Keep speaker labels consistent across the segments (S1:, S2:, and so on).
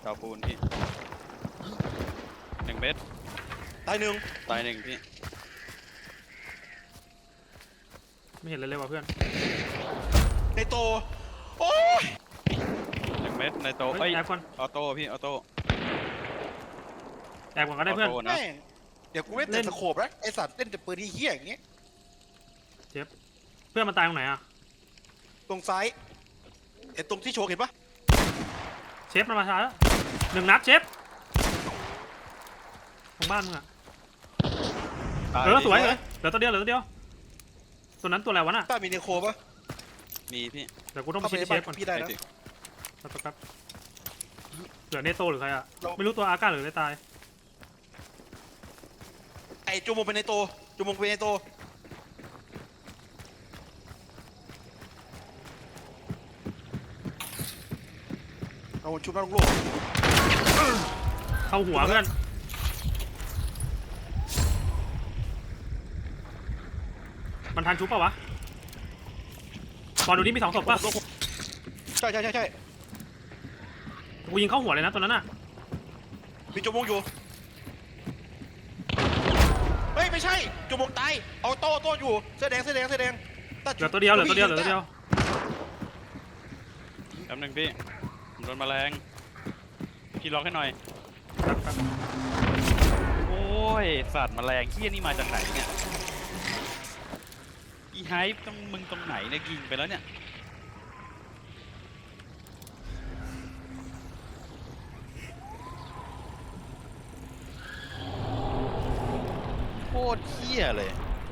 S1: าปูนพี่1 เมตร
S2: ตายหนึ่ง
S1: พี่
S3: ไม่เห็นเลยว่ะเพื่อน
S2: ในโตโอ้ย
S1: 1 เมตรในโต
S3: แอบก่อน
S1: ออโต้พี่ออโต้
S3: แอบก่อนก็ได้เพื่อน
S2: แม่งเดี๋ยวกูไม่เล่นสโคปแล้วไอสัตว์เล่นแต่ปืนที่เหี้ยอย่างเงี้ย
S3: เจ็บเพื่อนมันตายตรงไหนอ่ะ
S2: ตรงซ้ายไอตรงที่โชว์เห็นปะ
S3: เชฟมันมาช้าแล้ว1 นัดเชฟของบ้านมึงอ่ะสวยเลยเหลือตัวเดียวตัวนั้นตัวอะไรวะน่ะ
S2: ต้ามีเนโคปะ
S1: มีพี่
S3: เดี๋ยวกูต้องไปชิดเชฟก่อน
S2: พี่ได้นะ
S3: ครับเหลือเนโตหรือใครอ่ะไม่รู้ตัวอาก้าหรืออะไรตาย
S2: ไอจูมงเป็นในโตจูมงเป็นในโตเอาชุบน้าลงโลก
S3: เข้าหัวเพื่อนมันทันชุบเปล่าวะบอลดูนี่มี2 ศพป่ะ
S2: ใช่
S3: กูยิงเข้าหัวเลยนะตัวนั้นน่ะ
S2: มีจูมงอยู่เฮ้ยไม่ใช่จูมงตายเอาโต้อยู่เสื้อแดงเห
S3: ลือตัวเดียวแป๊บ
S1: นึงพี่ผมโดนแมลงพี่ล็อกให้หน่อยโอ้ยสัตว์แมลงเหี้ยนี่มาจากไหนเนี่ยอีไฮป์มึงตรงไหนเนี่ยยิงไปแล้วเนี่ยโคตรเหี้ยเลย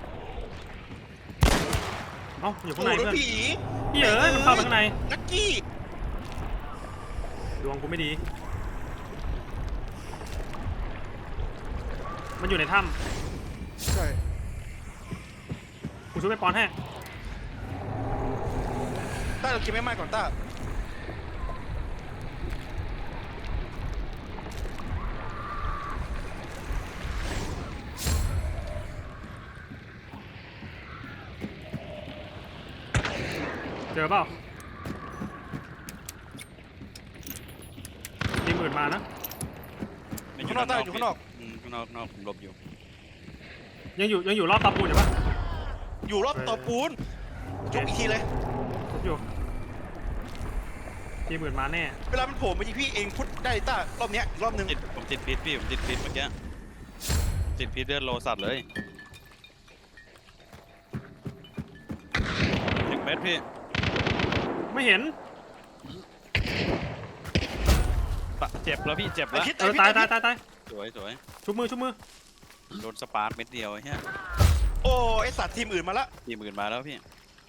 S3: เอ้าอยู่ข้างในเพื่อน
S2: ผี
S3: พี่มันเข้าไปข้างใน
S2: นักกี้
S3: ดวงกูไม่ดีมันอยู่ในถ้
S2: ำใช่
S3: กูช่วยไปปอนให้
S2: ต้าเรากินไม่มากก่อนต้า
S3: เจอเปล่า40,000มานะ
S2: ข้างนอกต้าอยู่ข้างนอก
S1: ผมหลบอยู่
S3: ยังอยู่รอบตาปูนอยู่ปะ
S2: อยู่รอบต่อปูนจบอีกทีเลย
S3: อยู่40,000มาแน่
S2: เวลามันโผล่มาที่พี่เองพุทธได้ต้ารอบเนี้ยรอบนึง
S1: ผมติดพิษพี่ผมติดพิษเมื่อกี้ติดพิษเลือดโลสัตว์เลย1 เมตรพี่
S3: ไม่เห็น
S1: เจ็บแล้วพี่เจ็บแล้ว
S3: ตาย
S1: สวย
S3: ชุบมือ
S1: โดนสปาร์คเม็ดเดียวไอ้เหี้ย
S2: โอ้ไอสัตว์ทีมอื่นมาละ
S1: มาแล้วพี่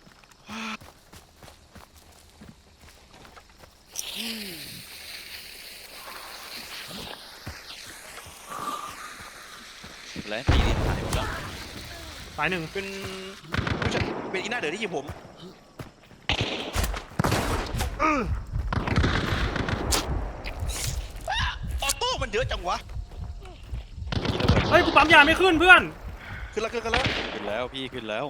S1: และพี่นี่หายหมดแล้ว
S3: ตาย1
S2: เป็นอีน่าเดือดที่ยิงผมออโต้มันเยอะจังวะ
S3: เฮ้ยกูปั๊มยาไม่ขึ้นเพื่อน
S2: ขึ้นแล้ว
S1: พี่ขึ้นแล้ว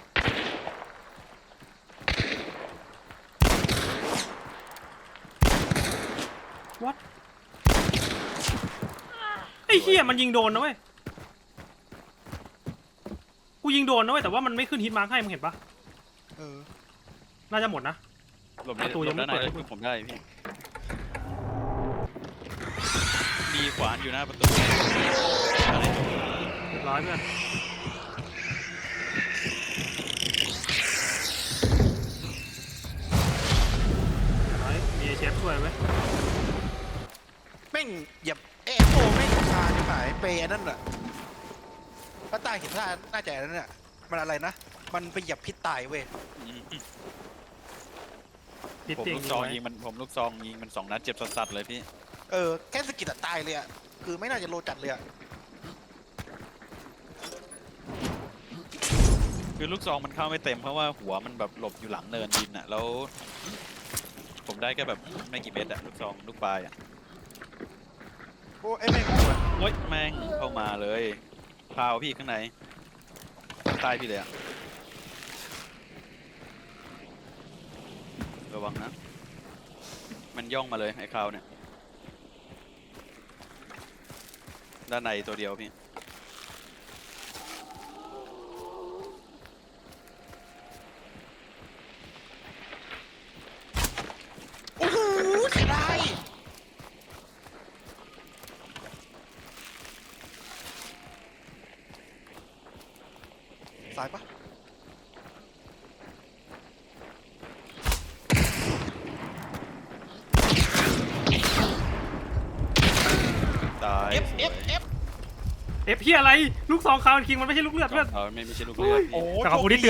S3: วัดไอ้เหี้ยมันยิงโดนนะเว้ยกูยิงโดนนะเว้ยแต่ว่ามันไม่ขึ้นฮิตมาร์คให้มึงเห็นปะน่าจะหมดนะ
S1: ประตูยังไม่เปิดผมได้พี่มีขวานอยู่หน้าประตู
S3: เรียบร้อยเพื่อนมีเชฟช่วยไหม
S2: แม่งเหยียบโฟแม่งชาจะหายเปย์นั่นแหละป้าตายเห็นท่าน่าจะนั่นแหละมันอะไรนะมันไปเหยียบพิษตายเว้ย
S1: ผมลูกซองยิงมัน2 นัดเจ็บสัสเลยพี่
S2: แค่สกิดตายเลยอ่ะคือไม่น่าจะโลจัดเลยอ่ะ
S1: คือลูกซองมันเข้าไม่เต็มเพราะว่าหัวมันแบบหลบอยู่หลังเนินดินอ่ะแล้วผมได้แค่แบบไม่กี่เม็ดอ่ะลูกซองลูกปลายอ่ะ
S2: โอ้แม่ง
S1: โอ๊ยแม่งเข้ามาเลยพาวพี่ข้างในใต้พี่เลยอ่ะระวังนะมันย่องมาเลยไอ้คราวเนี่ยด้านในตัวเดียวพี่
S2: โอ้โหเสียดายสายปะ
S1: ตาย
S2: เอฟ
S1: สวย
S3: เอฟเฮียอะไรลูกซองคาร์คิงมันไม่ใช่ลูกเลือดเพื่อน
S1: ไม่ใช่ลูกเลือด
S2: โอ้
S1: พี่
S3: แต่ขอบคุณที่เตือน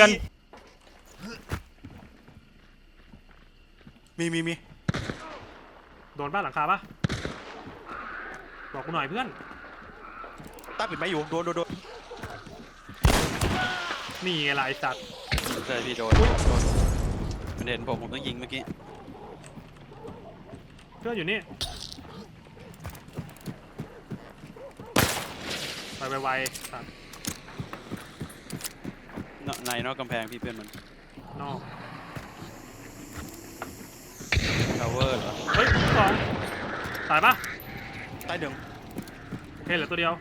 S2: มี
S3: โดนบ้านหลังคาปะบอกกูหน่อยเพื่อน
S2: ตาปิดไม้อยู่โดน
S3: นี่ไงล่ะไอ้สัตว์
S1: ใช่พี่โดนมันเห็นผมต้องยิงเมื่อกี้
S3: เพื่อนอยู่นี่ไปไวๆสัตว์
S1: ในนอกกำแพงพี่เพื่อนมัน
S3: นอก
S1: ทาวเวอร์เหรอ
S3: เฮ้ยลูกซองตายปะ
S2: ตายหนึ่ง
S3: โอเคเหลือตัวเดียว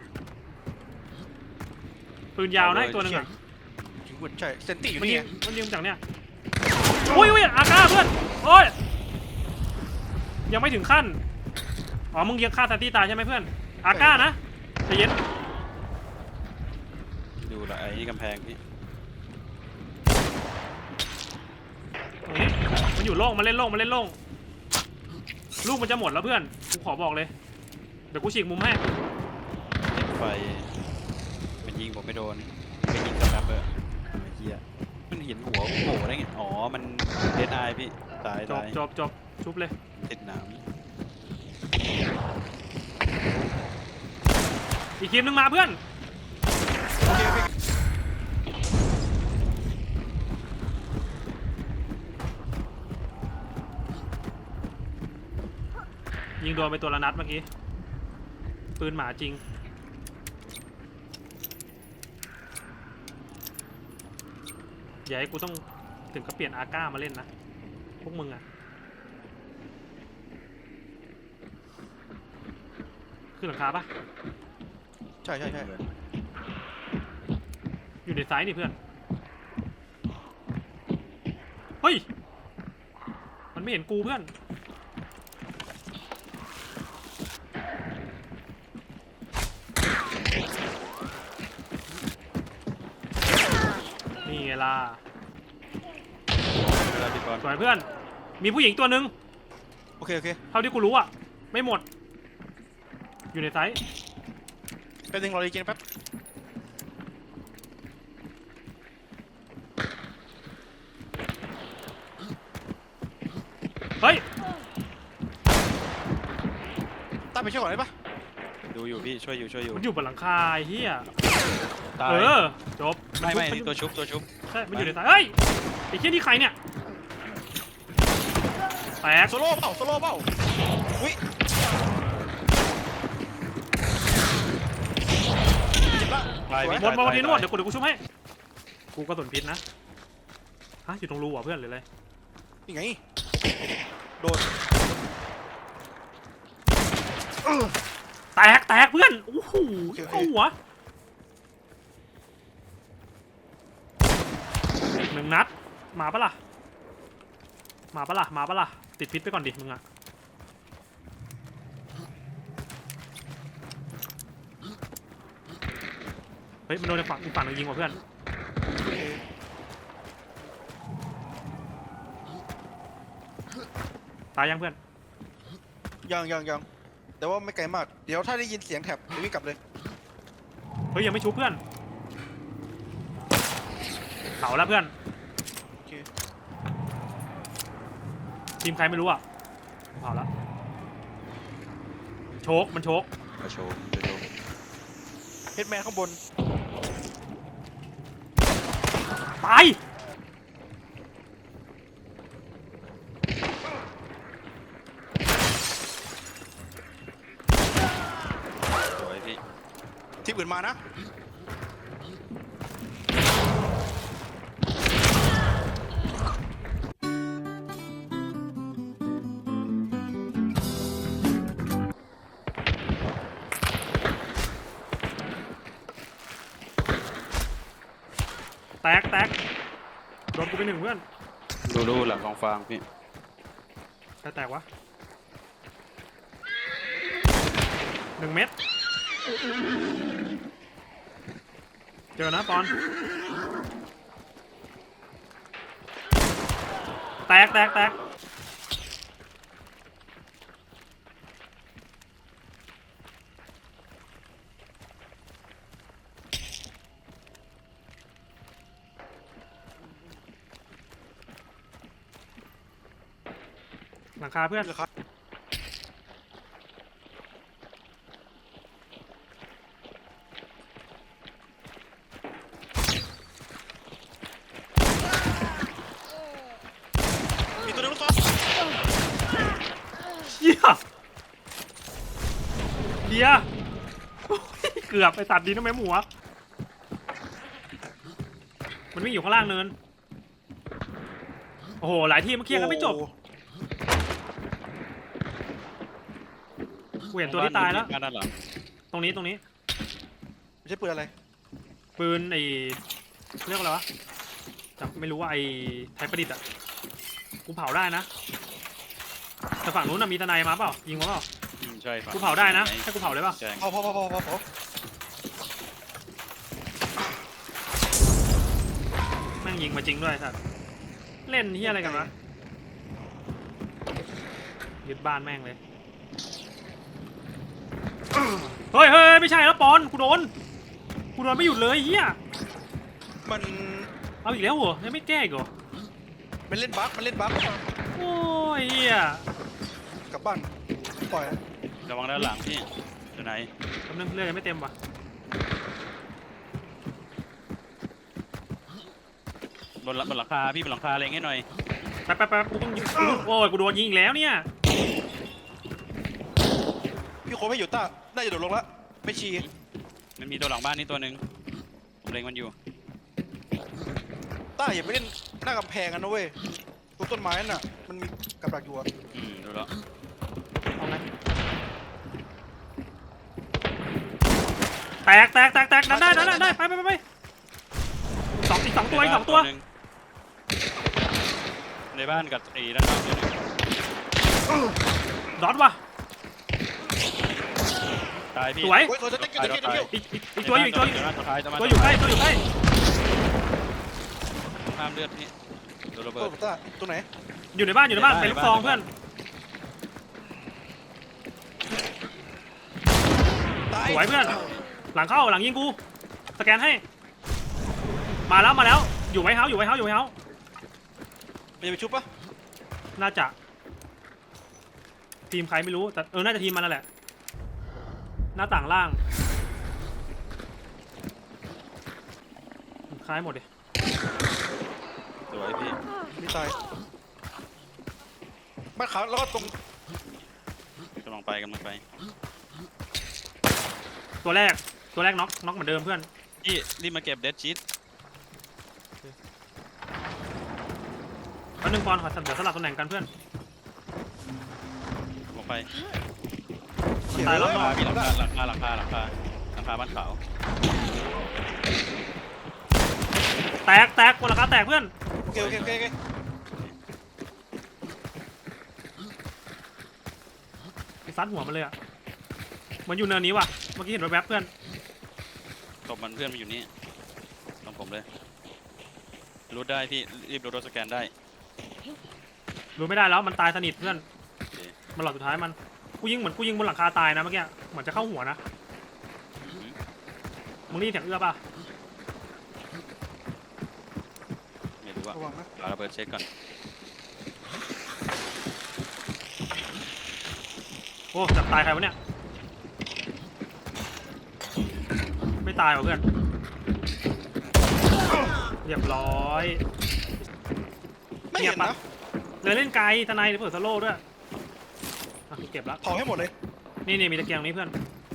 S3: ปืนยาวนะอีกตัวหนึ่งอ่ะ
S2: ยิงวุ้นใช่เซนตี้อยู่
S3: มัน
S2: นี่
S3: ยิงมันยิงจากเนี่ยอุ้ยอาก้าเพื่อนโอ้ยยังไม่ถึงขั้นอ๋อมึงยังฆ่าซาตี้ตายใช่ไหมเพื่อนอาก้านะใจเย็น
S1: ดูละไอ้นี่กำแพงพี่
S3: ตรงนี้มันอยู่โล่งมันเล่นโล่งลูกมันจะหมดแล้วเพื่อนกูขอบอกเลยเดี๋ยวกูฉีกมุมให้
S1: ไฟมันยิงผมไม่โดนไปยิงสแปมเบอร์ไอ้เหี้ยมันเห็นหัวโผล่ได้ไงอ๋อมันเดนไอพี่ตาย
S3: จบ
S1: ตาย
S3: จบชุบเลย
S1: ติดหนาม
S3: อีกทีมนึงมาเพื่อน
S2: โอเค
S3: ยิงโดนไปตัวละนัดเมื่อกี้ปืนหมาจริงอย่าให้กูต้องถึงกับเปลี่ยนอาก้ามาเล่นนะพวกมึงอะขึ้นหลังคาปะ
S2: ใช่
S3: อยู่ในซ้ายนี่เพื่อนเฮ้ยมันไม่เห็นกูเพื่อนนี่ไงล่ะ
S1: เวลาพี่บอล
S3: สวยเพื่อนมีผู้หญิงตัวหนึ่ง
S2: โอเค
S3: เท่าที่กูรู้อะไม่หมดอยู่ในไซส์
S2: แป๊บนึงรอรีเจนแป๊บ
S3: เฮ้ย
S2: ตาไปช่วยก่อนได้ปะ
S1: ดูอยู่พี่ช่วยอยู่
S3: มันอยู่บนหลังคาไอ้เฮีย
S1: ตาย
S3: จบ
S1: ไม่
S3: น
S1: นี่ตัวชุบ
S3: ใช่มันอยู่ในไซส์เฮ้ยไอ้เฮียนี่ใครเนี่ยแตก
S2: โซโล่เปล่าอุ้ยเจ็บละ
S1: ตาย
S2: สวย
S1: พี่
S3: หมดทีนวดเดี๋ยวกูชุบให้กูกระสุนพิษนะฮะอยู่ตรงรูอ่ะเพื่อนหรืออะไร
S2: นี่ไงโดน
S3: แตกเพื่อนโอ้โหเข้าหัวหนึ่งนัดมาปะล่ะติดพิษไปก่อนดิมึงอะเฮ้ยมันโดนอีกฝั่งหนึ่งยิงว่ะเพื่อนตายยังเพื่อน
S2: ยังแต่ว่าไม่ไกลมากเดี๋ยวถ้าได้ยินเสียงแถบเดี๋ยววิ่งกลับเลย
S3: เฮ้ยยังไม่ชุบเพื่อนเผาแล้วเพื่อน
S2: โอเค
S3: ทีมใครไม่รู้อ่ะเผาแล้วมันโชก
S1: มาโชว์
S2: เฮดแมนข้างบน
S3: ตาย
S1: สวยพี่
S2: ทีมอื่นมานะ
S3: แตกโดนกูไปหนึ่งเพื่อน
S1: ดูหลังกองฟางพี่
S3: ใครแตกวะ1 เม็ดเจอนะปอนแตกหลังคาเพื่อน
S2: เหรอครับมีตัวนึงลูกซอง
S3: เหี้ยเดียโอ้ยเกือบไปตัดดีนะแม่หมูอะมันวิ่งอยู่ข้างล่างเนินโอ้โหหลายทีมเคลียร์กันไม่จบ กูเห็นตัวที่ตายแล้ว
S1: บ้นด้านหลัง
S3: ตรงนี้
S2: ไม่ใช่ปืนอะไร
S3: ปืนไอ้เรียกว่าอะไรวะจำไม่รู้ว่าไอ้ไทยประดิษฐ์อ่ะกูเผาได้นะแต่ฝั่งนู้นน่ะมีทนายมาเปล่ายิงมาเปล่า
S1: ใช่ครับ
S3: กูเผาได้นะให้กูเผาได้ป่ะ
S1: แจ้ง
S2: พอ
S3: แม่งยิงมาจริงด้วยสัตว์เล่นที่อะไรกันวะยึดบ้านแม่งเลยเฮ้ยไม่ใช่แล้วปอนกูโดนไม่หยุดเลยเฮีย
S2: มัน
S3: เอาอีกแล้วเหรอยังไม่แก้อีกเหรอ
S2: มันเล่นบั๊ก
S3: โอ้ยเฮีย
S2: กลับบ้านปล่อย
S1: ระวังด้านหลังพี่อยู่ไหน
S3: กำลังเลือดยังไม่เต็มว่ะ
S1: บนหลังคาพี่บนหลังคาเล็งให้หน่อย
S3: แป๊บกูต้องยิงโอ้ยกูโดนยิงอีกแล้วเนี่ย
S2: พี่โคไม่อยู่ต้าน่าจะโดดลงละไม่ชี
S1: มันมีตัวหลังบ้านนี่ตัวหนึ่งผมเล็งมันอยู่
S2: ต้าอย่าไปเล่นหน้ากำแพงกันนะเว้ยตรงต้นไม้น่ะมันมีกับดักอยู่อะ
S1: ดูแล้ว
S3: เอาไงแตกดันได้ไปอีกสองตัว
S1: หนึ่งในบ้านกับไอ้ด้านนอกตัวหนึง
S3: ดอทว่ะ
S1: ตายพี่
S3: สวย
S2: โอ้ยเขาจะเต้นกันเดี๋ยว
S3: อีกตัวอยู่
S1: ตัวท้ายตัว
S3: ใกล้
S1: ห้ามเลือดพี่ตัวระเบิด
S2: ต้าตัวไหน
S3: อยู่ในบ้านเป็นลูกซองเพื่อน
S2: ตาย
S3: สวยเพื่อนหลังเข้าหลังยิงกูสแกนให้มาแล้วอยู่ไว้เฮา
S2: มันจะไปชุบปะ
S3: น่าจะทีมใครไม่รู้แต่น่าจะทีมมันนั่นแหละหน้าต่างล่างคล้ายหมดเลย
S1: สวยพี่
S2: มีตายบ้านขาวแล้วก็ตรง
S1: กำลังไป
S3: ตัวแรกน็อกเหมือนเดิมเพื่อน
S1: พี่รีบมาเก็บเดดชีต
S3: เอา1 ปอนด์ขอเดี๋ยวสลับตำแหน่งกันเพื่อน
S1: ลงไป
S3: ตายแล้ว
S1: หลังคาพี่หลังคาบ้านขาว
S3: แตกบนหลังคาแตกเพื่อน
S2: โอเค
S3: ไปซัดหัวมันเลยอ่ะมันอยู่เนินนี้ว่ะเมื่อกี้เห็นแวบๆเพื่อน
S1: ตบมันเพื่อนมาอยู่นี่ตรงผมเลยรูดได้พี่รีบรูดรถสแกนได้
S3: รู้ไม่ได้แล้วมันตายสนิทเพื่อน
S1: โอเค
S3: มันหลอดสุดท้ายมันกูยิงบนหลังคาตายนะเมื่อกี้เหมือนจะเข้าหัวนะมึงได้ยินเสียงเอื้อป่ะ
S1: ไม่รู้ว่า
S2: ระวังนะ
S1: เอาระเบิดเช็คก่อน
S3: โอ้จับตายใครวะเนี่ยไม่ตายว่ะเพื่อนเรียบร้อย
S2: ไม่เห็นนะ
S3: เลยเล่นไกลทนายเปิดสโลว์ด้วยอ่ะเก็บแล้ว
S2: เผาให้หมดเลย
S3: นี่มีตะเกียงนี้เพื่อน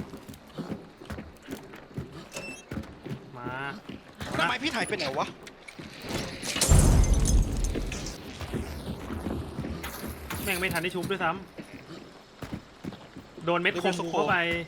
S3: มา
S2: ทำไมพี่ถ่ายเป็นไหนวะ
S3: แม่งไม่ทันได้ชุบด้วยซ้ำโดนเม็ดคมกูเข้าไป